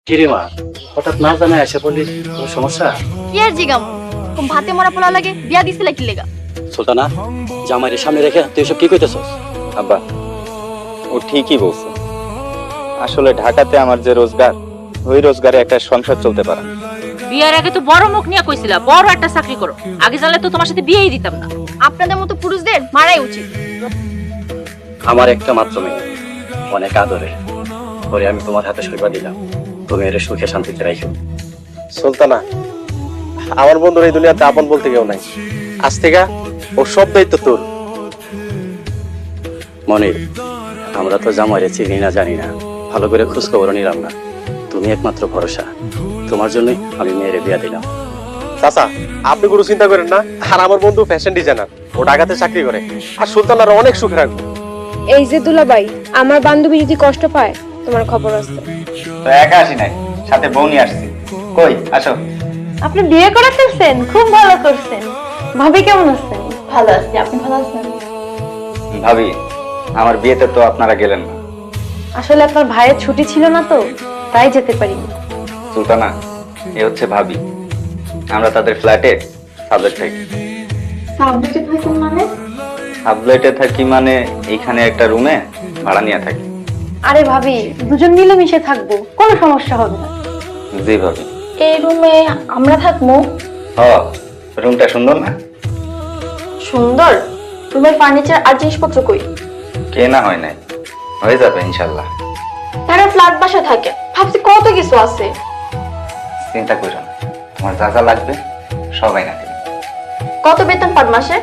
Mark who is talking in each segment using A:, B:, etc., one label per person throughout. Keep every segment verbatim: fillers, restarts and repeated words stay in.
A: কিরে মা, হঠাৎ না জানায় এসে বললি কোনো সমস্যা?
B: কি আর জিগাম কোন ভাতে মরা পোলা লাগে বিয়া দিছিলা কি লেগা?
A: সুলতানা, জামাইয়ের সামনে রেখে তুই এসব কি কইতেছস?
C: আব্বা, ও ঠিকই বলছে। আসলে ঢাকাতে আমার যে রোজগার, ওই রোজগারে একটা সংসার চলতে পারে না।
D: বিয়ের আগে তো বড় মুখ নিয়ে কইছিলা বড় একটা চাকরি করো, আগে জানলে তো তোমার সাথে বিয়েই দিতাম না।
B: আপনাদের মতো পুরুষদের মারাই উচিত।
A: আমার একটা মাত্র মেয়ে, অনেক আদরে পরে আমি তোমার হাতে সইবা দিলাম, তুমি এর সুখে শান্তিতে রাখো।
E: সুলতানা, আমার বন্ধুর এই দুনিয়াতে আপন বলতে কেউ নাই। আজ থেকে ও সব দায়িত্ব তোর।
A: মনির, আমরা তো জামাইরে চিনি না জানি না, ভালো করে খোঁজ খবর নিলাম না। তুমি একমাত্র ভরসা, তোমার জন্যই আমি মেয়েরে বিয়া দিলাম।
E: চাচা, আপনি কোনো চিন্তা করেন না। আর আমার বন্ধু ফ্যাশন ডিজাইনার, ও ঢাকাতে চাকরি করে। আর সুলতানার অনেক সুখে রাখবো।
F: এই যে দুলাভাই, আমার বান্ধবী যদি কষ্ট পায় তোমার খবর আছে।
C: তো একা আসি নাই, সাথে বউ নিয়ে আসছি। কই আসো।
F: আপনি বিয়ে করে ফেলছেন, খুব ভালো করছেন। ভাবি কেমন আছেন?
B: ভালো আছি, আপনি ভালো আছেন?
C: ভাবি, আমার বিয়েতে তো আপনারা গেলেন না।
F: আসলে আপনার ভাইয়ের ছুটি ছিল না তো, তাই যেতে পারিনি।
C: সুলতানা, এ হচ্ছে ভাবি। আমরা তাদের ফ্ল্যাটে সাবলেট থাকি।
B: সাবজেক্টে থাকেন মানে?
C: সাবলেটে থাকি মানে এইখানে একটা রুমে ভাড়া নিয়ে থাকি।
F: আরে ভাবি, দুজন মিলেমিশে থাকবো, কোনো সমস্যা হবে না।
C: জি ভাবি।
B: এই রুমে আমরা থাকবো?
C: হ, রুমটা সুন্দর না?
B: সুন্দর। রুমের ফার্নিচার আর জিনিসপত্র কই?
C: কেনা হয় নাই, হয়ে যাবে ইনশাল্লাহ।
B: তারা ফ্ল্যাট বাসা থাকে, ভাবছি কত কিছু আছে।
C: চিন্তা করো না, তোমার যা যা লাগবে সবাই না দেবে।
B: কত বেতন পার মাসে?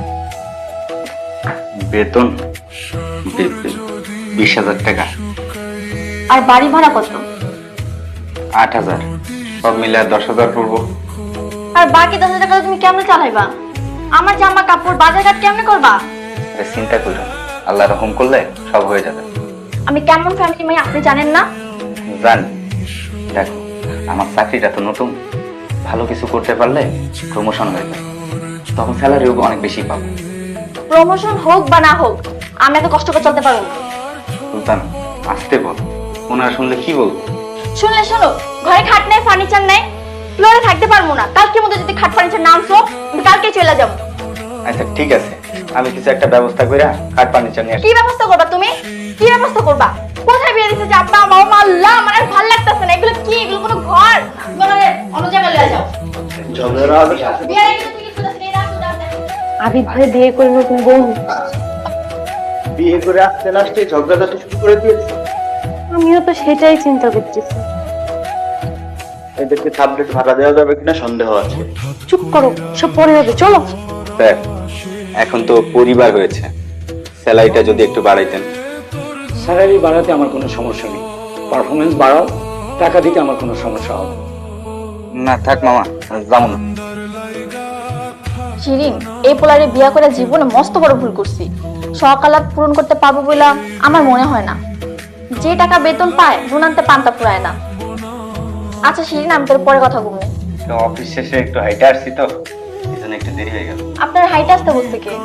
C: বেতন বি- বি- বিশ হাজার টাকা।
B: আর বাড়ি ভাড়া কত?
C: আট হাজার, সব মিলে আর দশ হাজার পড়বো।
B: আর বাকি দশ হাজার টাকা তুমি কেমনে চালাইবা? আমার জামা কাপড় বাজার ঘাট কেমনে করবা?
C: আরে চিন্তা করো না, আল্লাহ রহম করলে সব হয়ে যাবে।
B: আমি কেমন ফ্যামিলি মেয়ে আপনি জানেন না?
C: জানি। দেখো, আমার চাকরিটা তো নতুন, ভালো কিছু করতে পারলে প্রমোশন হয়ে যায়, তখন স্যালারিও অনেক বেশি পাবো।
B: প্রমোশন হোক বা না হোক, আমি এত কষ্ট করে চলতে পারবো না।
C: সুলতান, আসতে বল, ওনারা শুনলে কি বলবো?
B: শুনলে শোনো, ঘরে খাট নেই, ফার্নিচার নেই, ফ্লোরে থাকতে পারবো না। কালকের মধ্যে যদি খাট ফার্নিচার না আনছো, আমি কালকেই চলে যাবো।
C: আচ্ছা ঠিক আছে, আমি কিছু একটা ব্যবস্থা করে খাট ফার্নিচার নিয়ে
B: কি
C: আসি।
B: ব্যবস্থা করবা তুমি? কি ব্যবস্থা করবা? কোথায় বিয়ে দিতে যে আব্বা মা মা আল্লাহ, আমার আর ভালো লাগতেছে না। এগুলো কি? এগুলো কোনো ঘর? বলে অন্য জায়গায় লয়ে যাও। বিয়ে রেখে তুমি কিছু না এই রাখো দাও।
F: আবিদ ভাই বিয়ে করে নতুন বউ।
E: বিয়ে করে আসতে লাস্টে ঝগড়াঝাটি শুরু করে দিয়েছে।
F: আমিও তো সেটাই চিন্তা করতেছি।
E: এদেরকে সাবলেট ভাড়া দেওয়া যাবে কিনা সন্দেহ আছে।
F: চুপ করো, সব পরে হবে, চলো।
C: স্যার, এখন তো পরিবার হয়েছে, স্যালারিটা যদি একটু বাড়াইতেন।
A: স্যালারি বাড়াতে আমার কোনো সমস্যা নেই, পারফরমেন্স বাড়াও, টাকা দিতে আমার কোনো সমস্যা হবে না।
C: না থাক মামা, যাবো না।
B: শিরিন, এই পোলারে বিয়া করে জীবনে মস্ত বড় ভুল করছি। সকালাত পূরণ করতে পারবো বলে আমার মনে হয় না। যে টাকা বেতন পায় নুনান্তে পান্তা পুরায় না। আচ্ছা শিরিন, আমি তোর পরে কথা বলবো।
C: তো অফিস শেষে একটু হাইটে আসছি তো, এই জন্য একটু দেরি হয়ে গেল।
B: আপনার হাইট আসতে বলছে কে?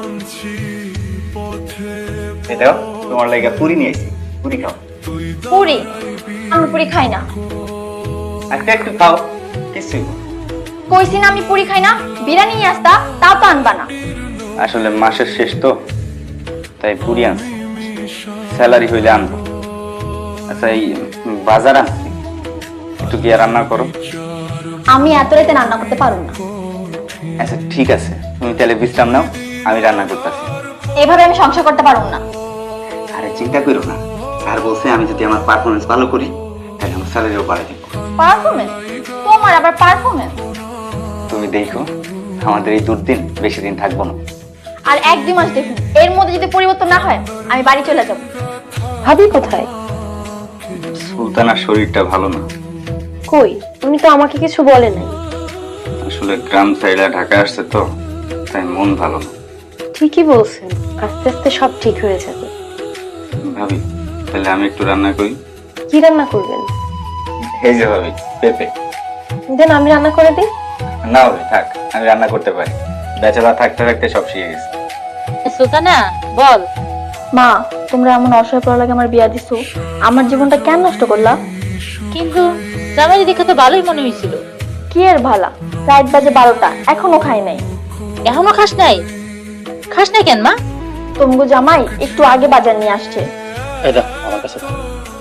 C: এটাও তোমার লাগে পুরি নিয়ে আসি, পুরি খাও।
B: পুরি? আমি পুরি খাই না।
C: আচ্ছা একটু খাও, কিছু।
B: কইছি না আমি পুরি খাই না। বিরিয়ানি নিয়ে আসতা, তাও তো আনবা না।
C: আসলে মাসের শেষ তো, তাই পুরি আনছি, স্যালারি হইলে আনবো। আচ্ছা এই বাজার আনছি, একটু গিয়ে রান্না করো।
B: আমি এত রাতে রান্না করতে পারবো না।
C: আচ্ছা ঠিক আছে, তুমি তাহলে বিশ্রাম নাও, আমি রান্না করতেছি।
B: এভাবে আমি সংসার করতে পারবো না।
C: আরে চিন্তা করো না, আর বলছে আমি যদি আমার পারফরমেন্স ভালো করি তাহলে আমার স্যালারিও বাড়াই দিব।
B: পারফরমেন্স? তোমার আবার পারফরমেন্স?
C: তুমি দেখো, আমাদের এই দুর্দিন বেশি দিন থাকবো না।
B: আর এক দুই মাস দেখুন, এর মধ্যে যদি পরিবর্তন না হয় আমি বাড়ি চলে যাব।
F: ভাবি কোথায়?
C: সুলতানার শরীরটা ভালো না।
F: কই, উনি তো আমাকে কিছু বলে নাই।
C: আসলে গ্রাম সাইডে ঢাকা আসছে তো, তাই মন ভালো না।
F: ঠিকই বলছেন, আস্তে আস্তে সব ঠিক হয়ে যাবে।
C: ভাবি, তাহলে আমি একটু রান্না করি।
F: কি রান্না করবেন?
C: এই যে ভাবি, পেঁপে।
F: দেন আমি রান্না করে দিই।
C: না ভাবি থাক, আমি রান্না করতে পারি, বেচারা থাকতে থাকতে সব শিখে গেছে।
D: সুলতানা বল।
B: মা, তোমরা এমন অসহায় পড়া লাগে আমার বিয়া দিছো, আমার জীবনটা কেন নষ্ট করলা?
D: কিন্তু জামাই দেখে তো ভালোই মনে হয়েছিল।
B: কি এর ভালা, রাত বাজে বারোটা এখনো খাই নাই।
D: এখনো খাস নাই? খাস নাই কেন মা?
B: তমগো জামাই একটু আগে বাজার নিয়ে আসছে।
A: এই দেখ আমার কাছে দাও।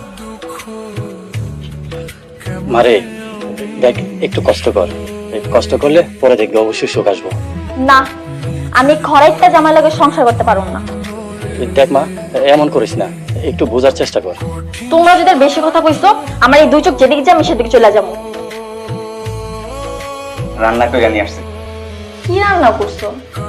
A: মারে দেখ, একটু কষ্ট কর, একটু কষ্ট করলে পরে দেখবে অবশ্যই সুখ আসবো।
B: না, আমি খরাইটটা জামাই লাগে সংসার করতে পারবো না।
A: দেখ মা, এমন করিস না, একটু বোঝার চেষ্টা কর।
B: তোমরা যদি বেশি কথা কইছো, আমার এই দুই চোখ যেদিকে যায় আমি সেদিকে চলে যাবো।
C: রান্না করে নিয়ে আসছে,
B: কি রান্না করছো?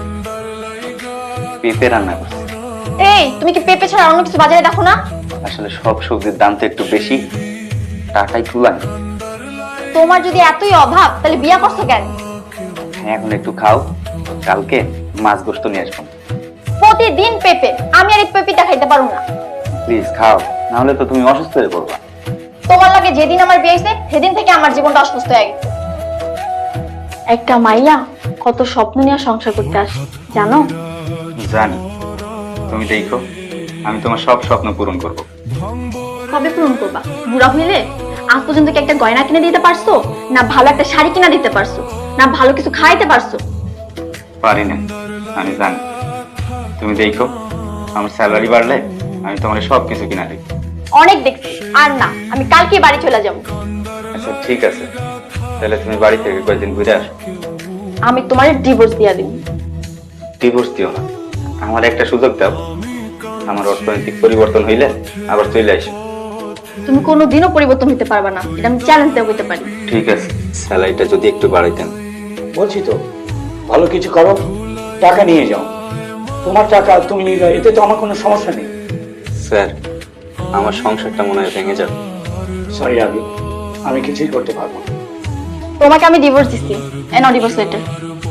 C: পেঁপে রান্না করছে।
B: এই, তুমি কি পেঁপে ছাড়া অন্য কিছু বাজারে দেখো না?
C: আসলে সব সবজির দাম তো একটু বেশি, টাকাই তুলান।
B: তোমার যদি এতই অভাব তাহলে বিয়া করছো কেন?
C: হ্যাঁ, এখন একটু খাও, কালকে মাছ গোস্ত নিয়ে আসবো।
B: প্রতিদিন পেঁপে, আমি আর এই পেঁপেটা খাইতে পারবো না।
C: প্লিজ খাও, না হলে তো তুমি অসুস্থ হয়ে পড়বা।
B: তোমার লাগে যেদিন আমার বিয়ে হয়েছে সেদিন থেকে আমার জীবনটা অসুস্থ হয়ে গেছে। একটা মাইয়া কত স্বপ্ন নিয়ে সংসার করতে আসে জানো?
C: জানি, তুমি দেখো আমি তোমার সব স্বপ্ন পূরণ করব।
B: কবে পূরণ করবা? বুড়া হইলে? আজ পর্যন্ত কি একটা গয়না কিনে দিতে পারছো? না ভালো একটা শাড়ি কিনে দিতে পারছো? না ভালো কিছু খাইতে পারছো?
C: পারি না, আমি জানি। তুমি দেখো আমার স্যালারি বাড়লে আমি তোমার সব কিছু কিনা দিই।
B: অনেক দেখছি, আর না, আমি কালকে বাড়ি চলে যাবো।
C: আচ্ছা ঠিক আছে, তাহলে তুমি বাড়ি থেকে কয়েকদিন ঘুরে আসো।
B: আমি তোমার ডিভোর্স দিয়া দিব।
C: ডিভোর্স দিও না, আমার একটা সুযোগ দাও। আমার অর্থনৈতিক পরিবর্তন হইলে আবার চলে আসো।
B: তুমি কোনোদিনও পরিবর্তন হতে পারবে না, এটা আমি চ্যালেঞ্জ দেওয়া করতে পারি।
C: ঠিক আছে, স্যালারিটা যদি একটু বাড়াইতেন।
G: বলছি তো, ভালো কিছু করো, টাকা নিয়ে যাও। তোমার টাকা তুমি নিয়ে যাও, এতে তো আমার কোনো সমস্যা নেই।
C: স্যার, আমার সংসারটা মনে হয় ভেঙে যাবে।
G: সরি আবি, আমি কিছুই করতে পারবো না।
B: তোমাকে আমি ডিভোর্স দিচ্ছি, এনো ডিভোর্স লেটার।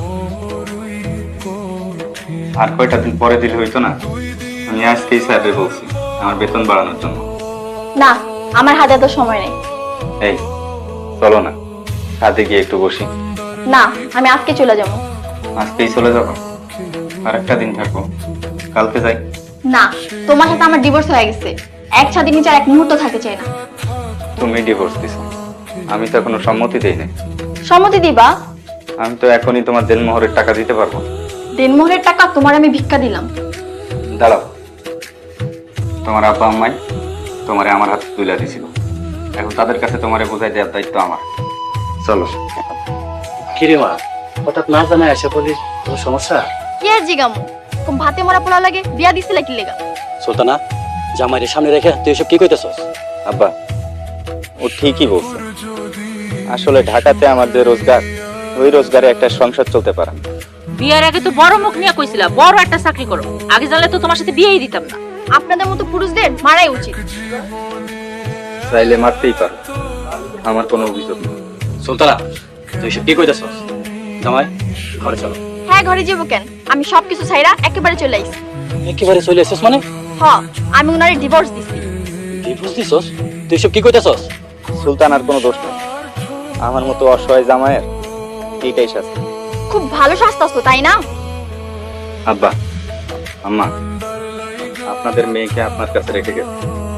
C: আর কয়টা দিন পরে দিলে হইতো না? আমি আজকেই স্যারকে বলছি আমার বেতন বাড়ানোর জন্য।
B: না, আমার হাতে এত সময় নেই।
C: এই চলো না, কাজে গিয়ে একটু বসি।
B: না, আমি আজকে চলে যাবো।
C: আজকেই চলে যাবো? আর একটা দিন থাকবো, কালকে যাই।
B: না, তোমার সাথে আমার ডিভোর্স হয়ে গেছে, এক ছাদের নিচে আর এক মুহূর্ত থাকতে চাই না।
C: তুমি ডিভোর্স দিছো, আমি তো এখনো সম্মতি দেই নাই।
B: সম্মতি দিবা?
C: আমি তো এখনই তোমার দেনমোহরের টাকা দিতে পারবো।
B: দেনমোহরের টাকা তোমার আমি ভিক্ষা দিলাম।
C: দাঁড়াও, তোমার আব্বা আম্মাই তোমারে আমার হাতে তুলে দিছিল, এখন তাদের কাছে তোমারে বোঝাই দেওয়ার দায়িত্ব আমার। চলো।
A: কিরে মা, হঠাৎ না জানায় এসে বলিস তোর সমস্যা?
B: কি আর জিগামু, কম ভাতে মরা পোলা লাগে, বিয়া দিছিলে কি লেগা?
A: সুলতানা, জামাইয়ের সামনে রেখে তুই এসব কি কইতেছস?
C: আব্বা, ও ঠিকই বলছে। আসলে ঢাকাতে আমার যে রোজগার, ওই রোজগারে একটা সংসার চলতে পারে না।
D: বিয়ের আগে তো বড় মুখ নিয়ে কইছিলা বড় একটা চাকরি করো, আগে জানলে তো তোমার সাথে বিয়েই দিতাম না।
B: আপনাদের মতো পুরুষদের মারাই উচিত।
C: চাইলে মারতেই পারো, আমার কোনো অভিযোগ নেই।
A: সুলতানা, তুই এসব কি কইতেছস? জামাই, ঘরে চলো।
B: হ্যাঁ, ঘরে যাবো কেন? আমি সবকিছু ছাইরা একেবারে চলে আইছি।
A: একেবারে চলে এসেছিস মানে?
B: হ, আমি উনারে ডিভোর্স দিছি।
A: ডিভোর্স দিছস? তুই এসব কি কইতেছস?
C: সুলতান আর কোনো দোষ নেই, আমার মতো অসহায় জামাইয়ের এইটাই শাস্তি।
B: খুব ভালো শাস্তাছো তাই না?
C: আব্বা, আম্মা, আপনাদের মেয়েকে আপনার কাছে রেখে গেছে।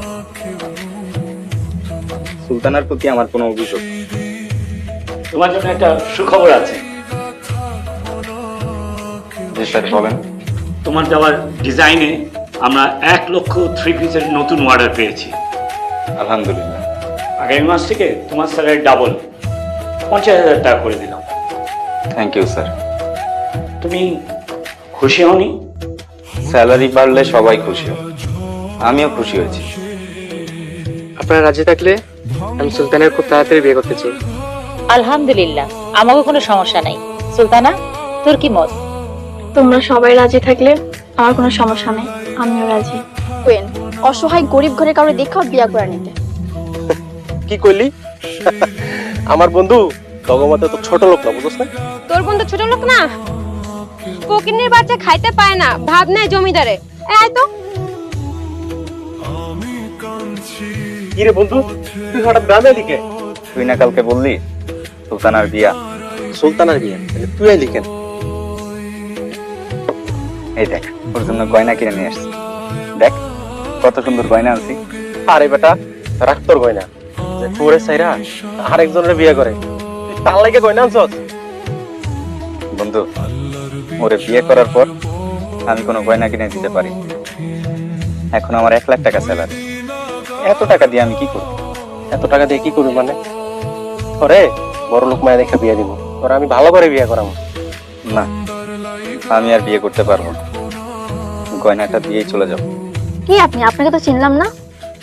C: সুলতানার প্রতি আমার কোনো অভিযোগ নেই।
G: তোমার জন্য একটা সুখবর আছে।
C: জি স্যার, বলেন।
G: তোমার দেওয়ার ডিজাইনে আমরা এক লক্ষ থ্রি পিসের নতুন অর্ডার পেয়েছি।
C: আলহামদুলিল্লাহ।
G: আগামী মাস থেকে তোমার স্যালারি ডাবল, পঞ্চাশ হাজার টাকা করে দিলাম।
C: Thank you sir.
G: তুমি খুশি হওনি?
C: স্যালারি বাড়লে সবাই খুশি হয়, আমিও খুশি হয়েছি।
H: আপনারা রাজি থাকলে আমি সুলতানের খুব তাড়াতাড়ি বিয়ে করতে চাই।
D: আলহামদুলিল্লাহ, আমাকে কোনো সমস্যা নাই। সুলতানা, তোর কি মত?
B: তোমরা সবাই রাজি থাকলে আমার কোনো সমস্যা নেই, আমিও রাজি। কোয়েন, অসহায় গরিব ঘরে কাউরে দেখাও বিয়া করে নিতে।
E: কি কইলি? আমার বন্ধু তগমতে তো ছোট লোক না, বুঝছ না?
F: তোর বন্ধু ছোট লোক না, ফকিন্নির বাচ্চা খাইতে পায় না, ভাব নেয় জমিদারে। এই তো
E: কি রে বন্ধু, তুই হঠাৎ গ্রামে দিকে?
C: তুই না কালকে বললি সুলতানার বিয়া?
E: সুলতানার বিয়ে, তুই আইলি কেন?
C: এই দেখ, ওর জন্য গয়না কিনে নিয়ে আসছি। দেখ কত সুন্দর গয়না আনছি।
E: আরে বেটা, রাখ তোর গয়না, যে তোরে সাইরা আরেকজনের বিয়ে করে, তুই তার লাগে গয়না আনছস?
C: বন্ধু, ওরে বিয়ে করার পর আমি কোনো গয়না কিনে দিতে পারি। এখন আমার এক লাখ টাকা স্যালারি, এত টাকা দিয়ে আমি কি করব?
E: এত টাকা দিয়ে কি করবি মানে? ওরে বড় লোক মায়া দেখে বিয়ে দিব, ওরা আমি ভালো করে বিয়ে করাবো।
C: না, আমি আর বিয়ে করতে পারবো না, গয়নাটা দিয়েই চলে যাবো।
B: কি আপনি? আপনাকে তো চিনলাম না।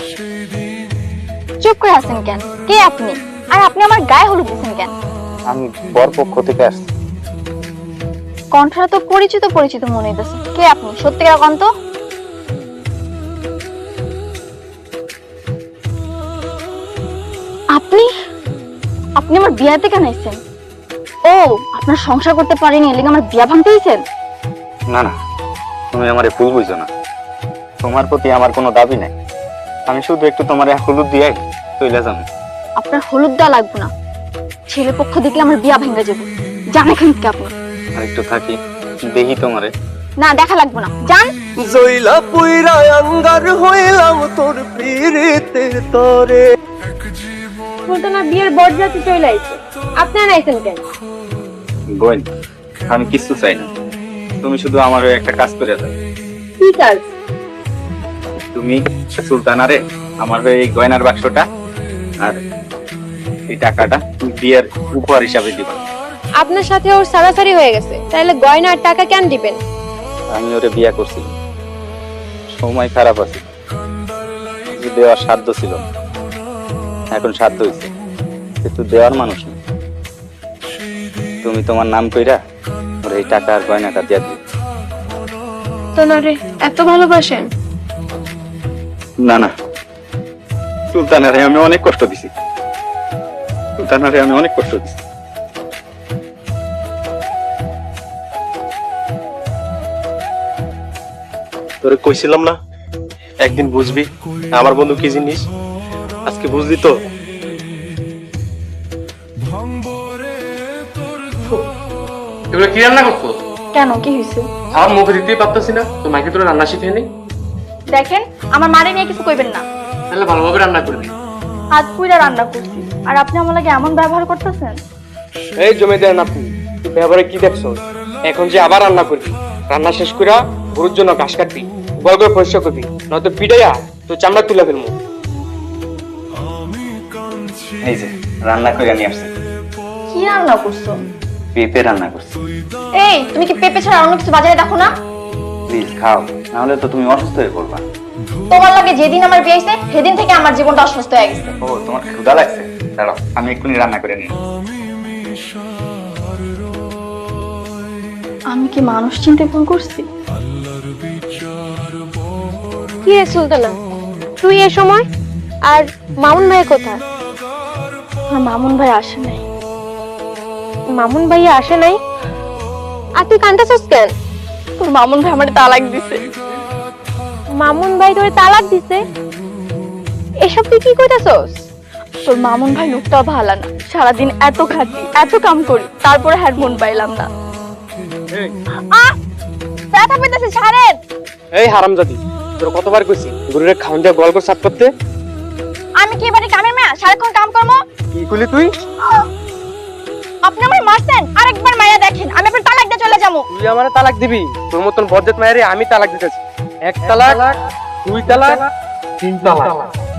B: চুপ করে আছেন কেন? কে আপনি? আর আপনি আমার গায়ে হলুদ দিচ্ছেন কেন?
C: আমি বর পক্ষ থেকে আসছি।
B: কণ্ঠটা তো পরিচিত পরিচিত মনে হইতেছে। কে আপনি? সত্যিকার কন্ত। আপনি আপনি আমার বিয়াতে কেন আইছেন? ও, আপনার সংসার করতে পারেনি এর লাগি আমার বিয়া ভাঙতে আইছেন?
C: না না, তুমি আমারে ভুল বুঝো না, তোমার প্রতি আমার কোনো দাবি নাই। আমি শুধু একটু তোমার হলুদ দিয়ে চলে যাবো।
B: আপনার হলুদ দেওয়া লাগবে না, ছেলে পক্ষ দেখলে আমার বিয়া ভেঙে যাবে। জান এখান থেকে আপনি।
C: আর একটু থাকি, দেখি তোমারে।
B: না, দেখা লাগবে না, জান।
E: জইলা পুইরা আঙ্গার হইলাম তোর পীড়িতের তরে।
F: সুলতানা বিয়ের বরযাত্রী চলে আইছে, আপনারা আইছেন কেন?
C: বোন, আমি কিছু চাই না, তুমি শুধু আমার হয়ে একটা কাজ করে দাও।
F: কি কাজ?
C: তুমি সুলতানারে আমার হয়ে এই গয়নার বাক্সটা আর এই টাকাটা বিয়ের উপহার হিসাবে দিবা।
F: আপনার সাথে ওর সারাসারি হয়ে গেছে, তাহলে গয়না আর টাকা কেন দিবেন?
C: আমি ওরে বিয়ে করছি, সময় খারাপ আছে, কিছু দেওয়ার সাধ্য ছিল না। এখন সাধ্য হয়েছে, কিন্তু দেওয়ার মানুষ নেই। তুমি তোমার নাম কইরা ওর এই টাকা আর গয়নাটা দিয়ে দিও।
F: তোনারে এত ভালোবাসেন?
C: না না, সুলতানারে আমি অনেক কষ্ট দিছি, সুলতানারে আমি অনেক কষ্ট দিছি।
E: তোরে কইছিলাম না একদিন বুঝবি আমার বন্ধু কি জিনিস। আজকে বুঝলি তো।
H: এগুলো কি রান্না করছো?
B: কেন, কি হয়েছে?
H: আমার মুখে দিতেই পারতেছি না, তো মাকে তোরা রান্না শিখে নি।
B: দেখেন, আমার মারে নিয়ে কিছু কইবেন না।
H: তাহলে ভালোভাবে রান্না করবি।
B: হাত পুইরা রান্না করছি, আর আপনি আমার লাগে এমন ব্যবহার করতেছেন।
H: এই জমে দেন আপনি, ব্যবহারে কি দেখছো? এখন যে আবার রান্না করবি, রান্না শেষ কইরা গরুর জন্য ঘাস কাটবি, বল করে পরিষ্কার করবি, নয়তো পিটাইয়া তো চামড়া তুলে ফেলবো।
C: এই যে রান্না করে নিয়ে আসছি,
B: কি রান্না করছো?
C: পেঁপে রান্না করছি।
B: এই, তুমি কি পেঁপে ছাড়া অন্য কিছু বাজারে দেখো না?
C: প্লিজ খাও, নাহলে তো তুমি অসুস্থ হয়ে পড়বা।
B: তোমার লাগে যেদিন আমার বিয়ে হয়েছে সেদিন থেকে আমার জীবনটা অসুস্থ হয়ে গেছে।
C: ও, তোমার ক্ষুধা লাগছে? দাঁড়াও, আমি এক্ষুনি রান্না করে নিই।
B: আমি কি মানুষ চিনতে ভুল করছি?
F: কি রে সুলতানা, তুই এ সময়? আর মামুন ভাই কোথায়?
B: আমার মামুন ভাই আসে নাই।
F: মামুন ভাই আসে নাই? আর তুই কান্দাছস কেন?
B: তোর মামুন ভাই আমার তালাক দিছে।
F: মামুন ভাই তোরে তালাক দিছে? এসব তুই কি কইতাছস?
B: তোর মামুন ভাই লোকটাও ভালো না, সারাদিন এত খাটি এত কাম করি, তারপরে হ্যাড মন পাইলাম না। আহ, ব্যথা পেতেছে, ছাড়েন।
H: এই হারামজাদি, তোর কতবার কইছি গরুরে খাওয়ান দিয়ে গোয়াল করে সাফ করতে?
B: আমি কি এবারে কামের মেয়া সারাক্ষণ কাম করবো?
H: কি কইলি তুই?
B: আপনি আমার মারছেন, আরেকবার মায়া দেখেন, আমি আপনার তালাক দিয়ে চলে যাবো।
H: তুই আমারে তালাক দিবি? তোর মতন বজ্জাত মায়েরে আমি তালাক দিতেছি। এক তালাক, দুই তালাক, তিন তালাক।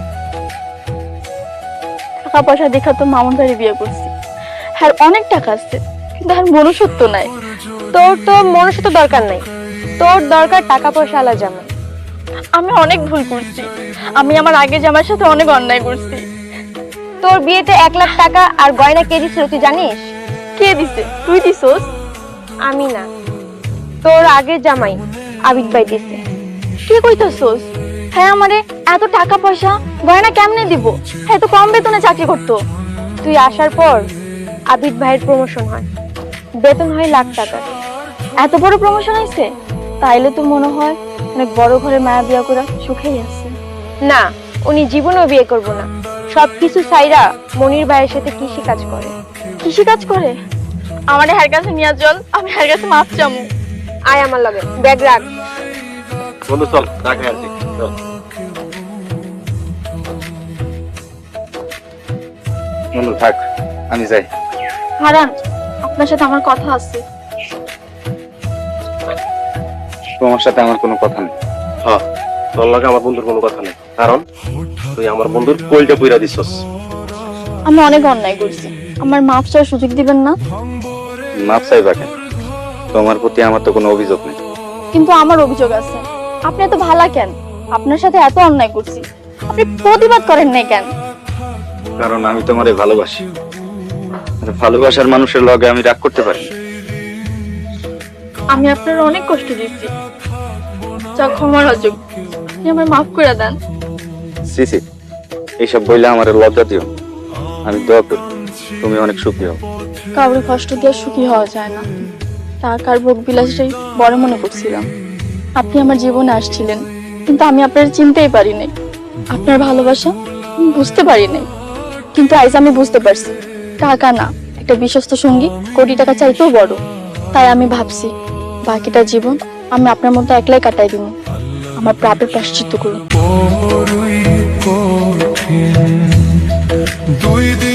B: টাকা পয়সা দেখা তো মামুন ভাই বিয়ে করছি, হ্যাঁ অনেক টাকা আছে, কিন্তু আর মনুষ্যত্ব নাই।
F: তোর তো মনুষ্যত্ব দরকার নাই, তোর দরকার টাকা পয়সা আলা জামাই।
B: আমি অনেক ভুল করছি, আমি আমার আগে জামাইয়ের সাথে অনেক অন্যায় করছি।
F: তোর বিয়েতে এক লাখ টাকা আর গয়না কে দিছিল তুই জানিস?
B: কে দিছে? তুই দিছস?
F: আমি না, তোর আগে জামাই আবিদ ভাই দিছে।
B: কি কইতাছস? হ্যাঁ আমারে এত টাকা পয়সা গয়না কেমনে দিব? হ্যাঁ তো কম বেতনে চাকরি করতো।
F: তুই আসার পর আবিদ ভাইয়ের প্রমোশন হয়, বেতন হয় লাখ টাকা।
B: এত বড় প্রমোশন হয়েছে? তাইলে তো মনে হয় অনেক বড় ঘরে মায়া বিয়া করে সুখেই আছে।
F: না, উনি জীবনেও বিয়ে করব না, সবকিছু সাইরা মনির ভাইয়ের সাথে কৃষি কাজ করে।
B: কৃষি কাজ করে? আমারে হার কাছে নিয়ে চল, আমি হার কাছে মাপ চামু।
F: আয় আমার লগে, ব্যাগ রাখ।
E: বন্ধু চল, রাখে আসি চল।
C: বন্ধু থাক, আমি যাই।
B: হারান, আপনার সাথে আমার কথা আছে।
C: তোমার সাথে আমার কোনো কথা নেই।
E: হ্যাঁ, তোর লাগে আমার বন্ধুর কোনো কথা নেই, কারণ তুই আমার বন্ধুর কইলটা পুইরা দিছস।
B: আমি অনেক অন্যায় করছি, আমার মাফ চাওয়ার সুযোগ দিবেন না?
C: মাপ চাইবা কেন? তোমার প্রতি আমার তো কোনো অভিযোগ নেই।
B: কিন্তু আমার অভিযোগ আছে। আপনি এত ভালা কেন? আপনার সাথে এত অন্যায় করছি, আপনি প্রতিবাদ করেন নাই কেন?
C: কারণ আমি তোমারে ভালোবাসি, আর ভালোবাসার মানুষের লগে আমি রাগ করতে পারি না।
B: আমি আপনার অনেক কষ্ট দিচ্ছি, যা ক্ষমার অযোগ্য, আপনি আমার মাফ করে দেন।
C: সিসি, এইসব বইলে আমার লজ্জা দিও না। আমি দোয়া করি তুমি অনেক সুখী হও।
B: কাউরে কষ্ট দিয়ে সুখী হওয়া যায় না, টাকার ভোগ বিলাসটাই বড় মনে করছিলাম। আপনি আমার জীবনে আসছিলেন, কিন্তু আমি আপনার চিনতেই পারি নাই। আপনার ভালোবাসা আমি বুঝতে পারি নাই, কিন্তু আজ আমি বুঝতে পারছি টাকা না, একটা বিশ্বস্ত সঙ্গী কোটি টাকা চাইতেও বড়। তাই আমি ভাবছি বাকিটা জীবন আমি আপনার মতো একলাই কাটাই দিব। আমার প্রাপের প্রায়শ্চিত্ত করুন।
I: দুই দিন